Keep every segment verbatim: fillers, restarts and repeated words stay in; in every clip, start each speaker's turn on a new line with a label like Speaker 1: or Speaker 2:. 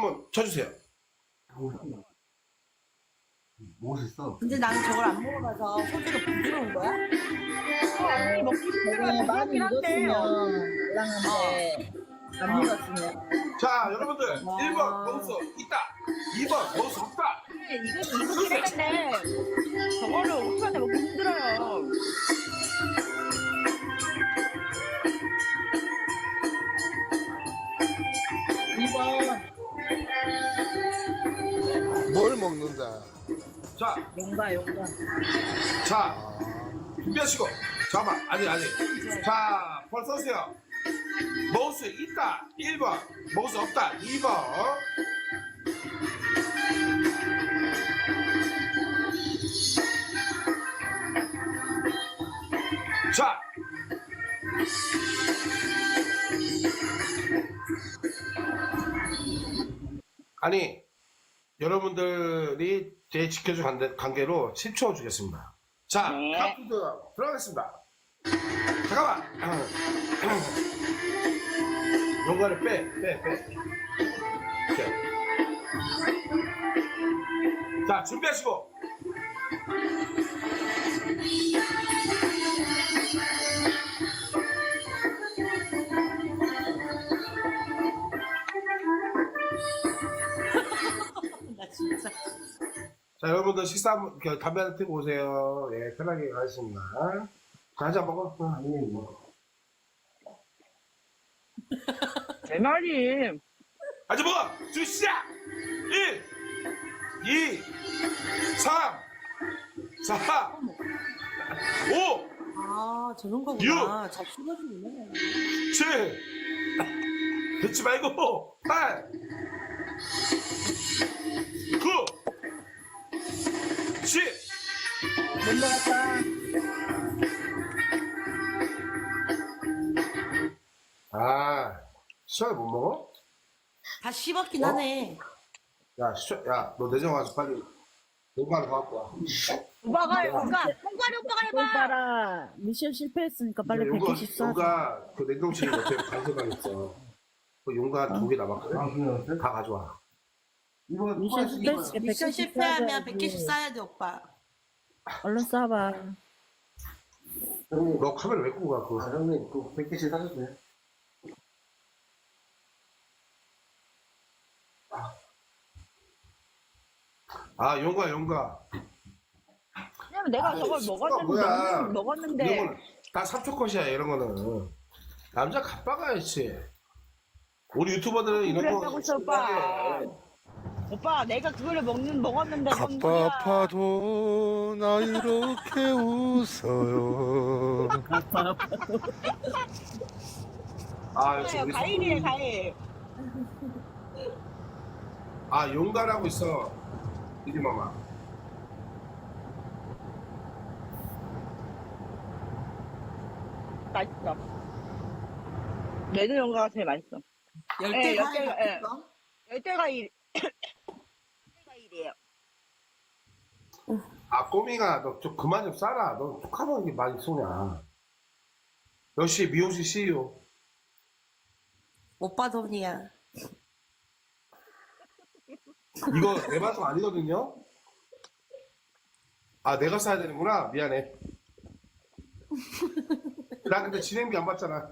Speaker 1: 한번 쳐주세요.
Speaker 2: 멋있어.
Speaker 3: 근데 나는 저걸 안 먹어봐서 소주가 부드러운 거야?
Speaker 4: 아니 먹기 힘들어.
Speaker 5: 내가 많이
Speaker 4: 부드럽긴 한데.
Speaker 5: 익었으면 말랑한데 안 익었으면
Speaker 1: 자, 여러분들
Speaker 3: 와.
Speaker 1: 일 번 먹을 수 있다. 이 번 먹을 수 없다.
Speaker 4: 이건 익었긴 했는데 저거를 오 초 안에 먹기 힘들어요.
Speaker 5: 이 번
Speaker 2: 뭘 먹는다.
Speaker 1: 자,
Speaker 5: 용가 용가
Speaker 1: 자, 준비하시고. 잠깐만, 아니, 아니. 자, 벌써 서세요. 먹을 수 있다. 일 번. 먹을 수 없다. 이 번. 자. 아니, 여러분들이 제 지켜준 관계- 관계로 십 초 주겠습니다. 자,
Speaker 4: 네.
Speaker 1: 카운트 들어가겠습니다. 잠깐만. 용가를 빼, 빼, 빼. 오케이. 자, 준비하시고.
Speaker 3: 나 진짜.
Speaker 1: 자, 여러분들 식사 한번, 그, 담배 한대 피고 오세요. 예, 편하게 가겠습니다. 자, 한잔 먹어. 어, 아니, 뭐.
Speaker 4: 제 말이.
Speaker 1: 아주 먹어! 주 시작! 일, 이, 삼, 사, 오,
Speaker 3: 아, 저런 거구나. 잘 씹어주네.
Speaker 1: 칠, 듣지 말고, 팔, 구, 십.
Speaker 5: 못 먹었다.
Speaker 1: 아, 시원해 못 먹어?
Speaker 3: 다 씹었긴
Speaker 1: 어?
Speaker 3: 하네.
Speaker 1: 야, 시 야, 너 내정 와서 빨리 용가를 갖고 와.
Speaker 4: 오빠가 오빠 홍가리 오빠가 해봐.
Speaker 5: 오빠라 미션 실패했으니까 빨리
Speaker 1: 용가,
Speaker 5: 백개씩 쏴.
Speaker 1: 용가 그 냉동실에 옆에 간소방 있어. 그 용가 두 개 남았거든.
Speaker 2: 아, 그래요?
Speaker 1: 다 가져와.
Speaker 2: 이거
Speaker 5: 미션 실패했으니까
Speaker 3: 미션
Speaker 5: 백개씩
Speaker 3: 실패하면
Speaker 5: 쏴줘야지.
Speaker 3: 백 개씩 쏴야 돼, 오빠.
Speaker 5: 얼른 쏴봐.
Speaker 2: 형님,
Speaker 1: 너 카메라 왜 끄고 가?
Speaker 2: 아,
Speaker 1: 그거.
Speaker 2: 형님, 그 백 개씩 사줬어요?
Speaker 1: 아, 용가, 용가.
Speaker 4: 왜냐면 내가
Speaker 1: 아,
Speaker 4: 저걸
Speaker 1: 식구가
Speaker 4: 먹었는데
Speaker 1: 뭐야.
Speaker 4: 먹는- 먹었는데
Speaker 1: 이런 거는 다 삼 초 컷이야, 이런 거는. 남자 갑박아야지. 우리 유튜버들은 이런
Speaker 4: 그랬다고
Speaker 1: 거.
Speaker 4: 했어, 오빠.
Speaker 1: 신나게.
Speaker 4: 오빠 내가 그거를 먹는 먹었는데 뭔 소리야.
Speaker 6: 갑바파도 나 이렇게 웃어요.
Speaker 1: 아, 역시
Speaker 4: 아요
Speaker 1: 우리
Speaker 4: 가일이래
Speaker 1: 선배님.
Speaker 4: 가일.
Speaker 1: 아, 용가라고 있어. 이리마마.
Speaker 4: 맛있어. 레드 연가가 제일 맛있어.
Speaker 3: 열대
Speaker 4: 예,
Speaker 3: 과일
Speaker 4: 열대, 예.
Speaker 3: 같은 거?
Speaker 4: 열대 가일. 열대 가일이에요.
Speaker 1: 아, 꼬미가, 너 좀 그만 좀 싸라. 너 툭하면 이게 많이 쏘냐. 역시 미용실 씨이오.
Speaker 3: 오빠 돈이야.
Speaker 1: 이거 내 방송 아니거든요? 아, 내가 써야 되는구나. 미안해. 나 근데 진행비 안 받잖아.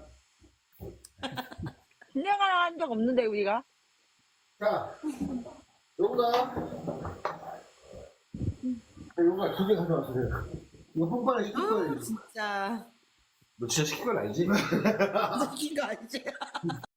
Speaker 4: 진행을 한 적 없는데 우리가.
Speaker 2: 자, 용가. 용가 두 개 가져왔어요. 이거 뽕pan에 시킬 거예요.
Speaker 3: 진짜.
Speaker 1: 너 진짜 시킨 건 아니지?
Speaker 3: 웃긴 거 아니지?